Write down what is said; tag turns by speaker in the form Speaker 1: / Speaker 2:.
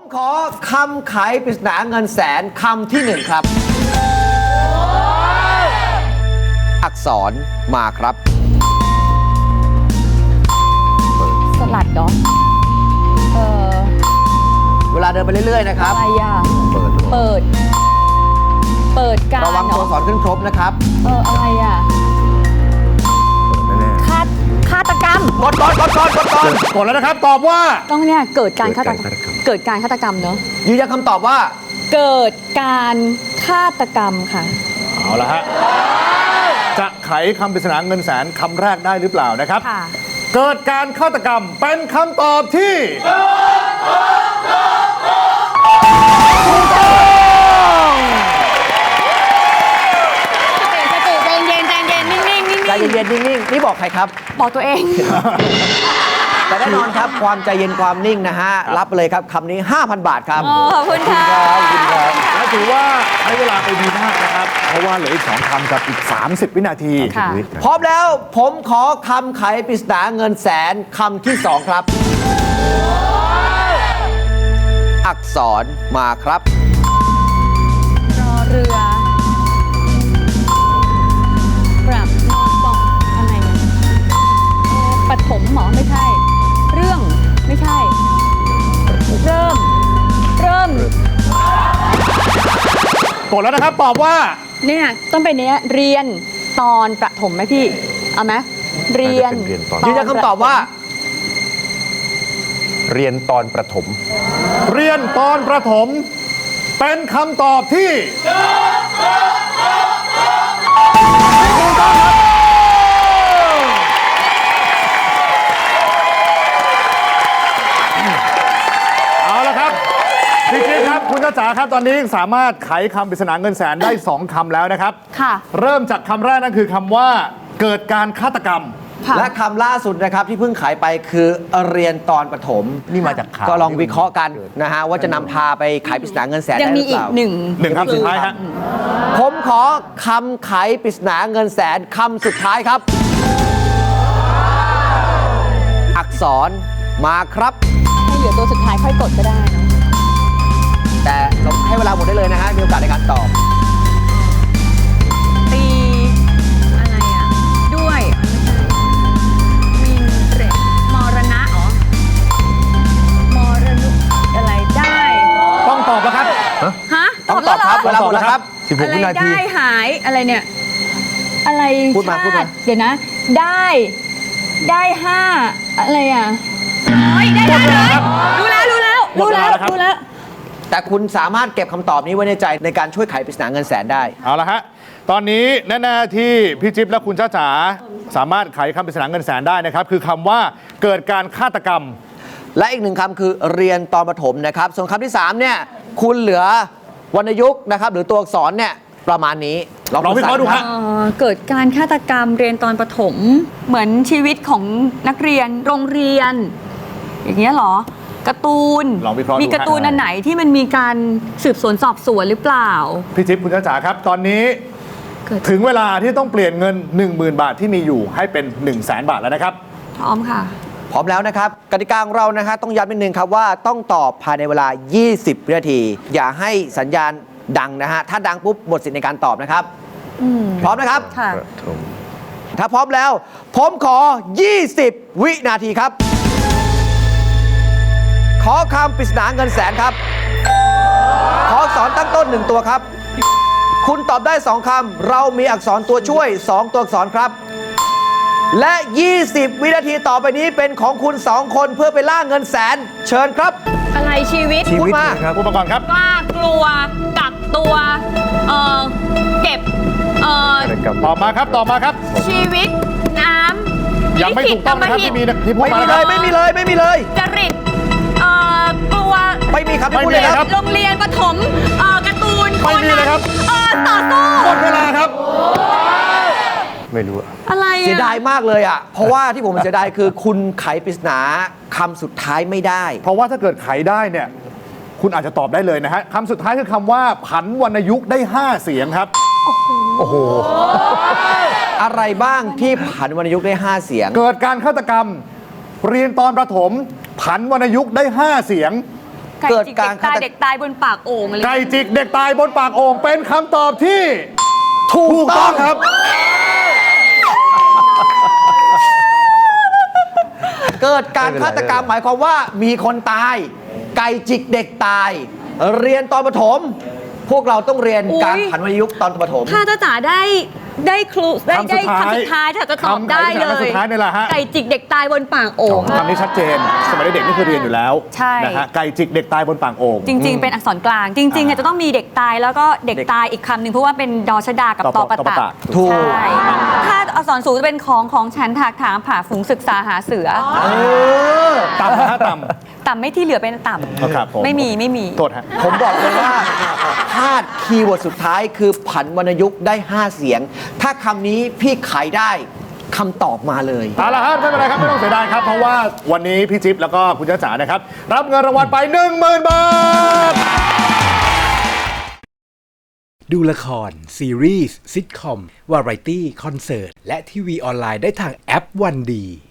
Speaker 1: ขอคำไขปริศนาเงินแสนคำที่ 1 ครับ อักษรมาครับ
Speaker 2: สลัดเหรอ
Speaker 1: เวลาเดินไปเรื่อยๆนะครับ
Speaker 2: อะไรอ่ะ เปิดการ
Speaker 1: ระวังตัวอักษรขึ้นครบนะครับ
Speaker 2: อะไรอ่ะฆาตกรรม
Speaker 1: กด
Speaker 3: แล้วนะครับ ตอบว่า
Speaker 2: ต้องเนี่ยเกิดการฆาตกรรมเนอะ
Speaker 1: ยืนยันคำตอบว่า
Speaker 2: เกิดการฆาตกรรมค่ะ
Speaker 3: เอาละฮะ จะไขคำปริศนาเงินแสนคำแรกได้หรือเปล่านะครับ
Speaker 2: ค่ะ
Speaker 3: เกิดการฆาตกรรมเป็นคำตอบที่ถูกต้อง
Speaker 2: สติใจเย็นนิ่ง
Speaker 1: ใจเย็นๆนิ่งๆนี่บอกใครครับ
Speaker 2: บอกตัวเอง
Speaker 1: แต่แน่นอนครับความใจเย็นความนิ่งนะฮะ รับไปเลยครับคำนี้ 5,000 บาทครับ
Speaker 2: ขอบคุณค่ะ
Speaker 3: และถือว่าใช้เวลาไปดีมากนะครับ เพราะว่าเหลืออีก2คำกับอีก30 วินาที
Speaker 2: ค่ะ
Speaker 1: พร้อมแล้วผมขอคำไขปริศนาเงินแสนคำที่ 2 ครับ อักษรมาครับ
Speaker 2: รอเรือปรับนอนปองอะไรเนี่ยปฐมหมอไม่ใช่ เรื่องไม่ใช่ เริ่ม
Speaker 3: กดแล้วนะครับ ตอบว่า
Speaker 2: เนี่ยต้องเป็นเนี้ยเรียนตอนประถมไหมพี่ เอาไหมเรียน
Speaker 1: ยืนยันคำตอบว่า
Speaker 4: เรียนตอนประถม
Speaker 3: เรียนตอนประถม เป็นคำตอบที่เอาละครับพี่จิ๊บครับ คุณจ้าจ๋าครับ ตอนนี้สามารถไขคำปริศนาเงินแสนได้ 2 คำแล้วนะครับ
Speaker 2: ค่ะ
Speaker 3: เริ่มจากคำแรกนั่นคือคำว่า เกิดการฆาตกรรม
Speaker 2: ค่ะ
Speaker 1: และคำล่าสุดนะครับที่เพิ่งขายไปคือเรียนตอนประถม
Speaker 4: นี่มาจากข่าว
Speaker 1: ก็ลองวิเคราะห์กันนะฮะว่าจะนำพาไปขายปริศนาเงินแสน
Speaker 2: ยัง
Speaker 1: ได้ห
Speaker 2: มี
Speaker 1: รือ
Speaker 2: อี
Speaker 1: เป
Speaker 2: ก
Speaker 1: ล่า
Speaker 2: หนึ่ง
Speaker 3: 1 คำสุดท้ายฮะ
Speaker 1: ผมขอคำไขปริศนาเงินแสนคำสุดท้ายครับ อักษรมาครับ
Speaker 2: ให้เหลือตัวสุดท้ายค่อยกดก็ได้เนอะ
Speaker 1: แต่เราให้เวลาหมดได้เลยนะฮะมีโอกาสในการตอบ
Speaker 2: ตีอะไรอ่ะ ด้วยไม่ใช่มินเรมรณะเหรอมรณุอะไรได้
Speaker 3: ต้องตอบแล้วครับ
Speaker 2: ฮะ
Speaker 1: ต้องตอบครับ เวลาหมดแล้วครับ
Speaker 2: อะไร
Speaker 4: 16 วินาที
Speaker 2: ได้หายอะไรเนี่ย อะไร
Speaker 1: พูดมา
Speaker 2: ชติ
Speaker 1: พูดมา
Speaker 2: เดี๋ยวนะ ได้5อะไรอ่ะโอ้ยได้เลยรู้แล้ว
Speaker 3: หมดเวลาแล้วครับ
Speaker 2: รู้แล้ว
Speaker 1: แต่คุณสามารถเก็บคำตอบนี้ไว้ในใจในการช่วยไขปริศนาเงินแสนได้
Speaker 3: เอาละฮะ ตอนนี้แน่ๆที่พี่จิ๊บและคุณจ้าจ๋าสามารถไขคำปริศนาเงินแสนได้นะครับ คือคำว่าเกิดการฆาตกรรม
Speaker 1: และอีกหนึ่งคำคือเรียนตอนประถมนะครับ ส่วนคำที่ 3 เนี่ย คุณเหลือวรรณยุกต์นะครับ หรือตัวอักษรเนี่ย ประมาณนี้
Speaker 3: ลองวิเคราะห์ดูฮะ
Speaker 2: เกิดการฆาตกรรมเรียนตอนประถม เหมือนชีวิตของนักเรียนโรงเรียน อย่างเงี้ยเหรอการ์ตูน
Speaker 3: ลองวิเคราะห์ดู
Speaker 2: มีการ์ตูนอันไหนที่มันมีการสืบสวนสอบสวนหรือเปล่า
Speaker 3: พี่จิ๊บคุณจ้าจ๋าครับ ตอนนี้
Speaker 2: เกิด
Speaker 3: ถึงเวลาที่ต้องเปลี่ยนเงิน 10,000 บาทที่มีอยู่ให้เป็น 100,000 บาทแล้วนะครับ
Speaker 2: พร้อมค่ะ
Speaker 1: พร้อมแล้วนะครับกติกาของเรานะฮะต้องย้ำนิดนึงครับว่าต้องตอบภายในเวลา 20 วินาที อย่าให้สัญญาณดังนะฮะ ถ้าดังปุ๊บหมดสิทธิ์ในการตอบนะครับ พร้อมนะครับ
Speaker 2: ค่ะ
Speaker 4: ประถม
Speaker 1: ถ้าพร้อมแล้ว ผมขอ 20 วินาทีครับ ขอคำปริศนาเงินแสนครับ ขออักษรตั้งต้น 1 ตัวครับ คุณตอบได้ 2 คำ เรามีอักษรตัวช่วย 2 ตัวอักษรครับ และ 20 วินาทีต่อไปนี้เป็นของคุณ 2 คนเพื่อไปล่าเงินแสน เชิญครับ
Speaker 2: อะไรชีวิต
Speaker 1: พูดมา
Speaker 4: ครับ
Speaker 3: อุปกรณ์ครับ
Speaker 2: กล้ากลัว กักตัว เก็บ
Speaker 3: ตอบมาครับ ตอบมาครับ
Speaker 2: ชีวิต น้ำ
Speaker 3: ยังไม่ถูกต้องนะครับที่มีที่พูด
Speaker 1: ไม่
Speaker 3: มา
Speaker 1: มี
Speaker 3: นะค
Speaker 1: เล
Speaker 3: รับ
Speaker 1: ย ไม่มีเลย ไม่มีเลย
Speaker 2: จริต กลัว
Speaker 1: ไม่มีครับที่พูดเลย
Speaker 3: ไม่มี
Speaker 1: ค
Speaker 3: ครั
Speaker 1: รับ
Speaker 3: บ
Speaker 2: โรงเรียนประถมการ์ตูน
Speaker 3: ไม่มีเลยครับ
Speaker 2: ต่อสู้
Speaker 3: หมดเวลาครับ
Speaker 4: ไม่รู้อะ
Speaker 2: อะไร
Speaker 1: เสียดายมากเลยอ่ะ เพราะว่าที่ผมเสียดายคือคุณไขปริศนาคำสุดท้ายไม่ได้
Speaker 3: เพราะว่าถ้าเกิดไขได้เนี่ย คุณอาจจะตอบได้เลยนะฮะคำสุดท้ายคือคำว่าผันวรรณยุกต์ได้ 5 เสียงครับ
Speaker 4: โอ้โห
Speaker 1: อะไรบ้างที่ผันวรรณยุกต์ได้ 5 เสียง
Speaker 3: เกิดการฆาตกรรม เรียนตอนประถม ผันวรรณยุกต์ได้ 5 เสียง
Speaker 2: ไก่
Speaker 1: เกิด
Speaker 2: จิก
Speaker 1: การ
Speaker 2: เด็กตายบนปากโอ่งอะไร
Speaker 3: ไก่จิกเด็กตายบนปากโอ่งเป็นคำตอบที่
Speaker 1: ถูก
Speaker 3: ถูก
Speaker 1: ต้
Speaker 3: ต้
Speaker 1: อ
Speaker 3: อง งครับ
Speaker 1: เกิดการฆาตกรรมหมายความว่ามีคนตาย ไก่จิกเด็กตาย เรียนตอนประถม พวกเราต้องเรียนการผันวรรณยุกต์ตอนประถม
Speaker 2: ถ้าจ้าจ๋าได้ครูได้
Speaker 3: คำสุดท้าย
Speaker 2: คำสุดท้ายถ้าจะตอบ
Speaker 3: คำ
Speaker 2: ได้เล
Speaker 3: คำสุ
Speaker 2: ย
Speaker 3: ดท้ายนี่แหละฮะ
Speaker 2: ไก่จิกเด็กตายบนปากโอ่ง
Speaker 3: คำนี้ชัดเจน สมัยเด็กๆนี่คือเรียนอยู่แล้ว
Speaker 2: ใช่
Speaker 3: นะฮะไก่จิกเด็กตายบนปากโอ่ง
Speaker 2: จริง ๆ เป็นอักษรกลาง จริงๆเนี่ยจะต้องมีเด็กตายแล้วก็เด็กตายอีกคำหนึ่งเพราะว่าเป็นดอชดากับ
Speaker 3: ต
Speaker 2: ต
Speaker 3: อ
Speaker 2: อ
Speaker 3: ป
Speaker 2: ป
Speaker 3: ะ
Speaker 2: ะตะ
Speaker 1: ถูก
Speaker 2: ใช่ถ้าอักษรสูงจะเป็นของฉันถากถางผ่าฝูงศึกษาหาเสือ
Speaker 1: เออ
Speaker 3: ต่ำนะฮะต่
Speaker 2: ต่ำไม่ที่เหลือเป็นต่
Speaker 3: ำครับผม
Speaker 2: ำไม่มี
Speaker 3: โทษฮะ
Speaker 1: ผมบอกเลยว่าพลาดคีย์เวิร์ดสุดท้ายคือผันวรรณยุกต์ได้ 5 เสียง ถ้าคำนี้พี่ไขได้คำตอบมาเลย
Speaker 3: เอาละครับไม่เป็นไรครับ ไม่ต้องเสียดายครับ เพราะว่าวันนี้พี่จิ๊บแล้วก็คุณจ้าจ๋านะครับ รับเงินรางวัลไป 10,000 บาท
Speaker 5: ดูละคร ซีรีส์ซิทคอม วาไรตี้ คอนเสิร์ต และทีวีออนไลน์ได้ทางแอปวันดี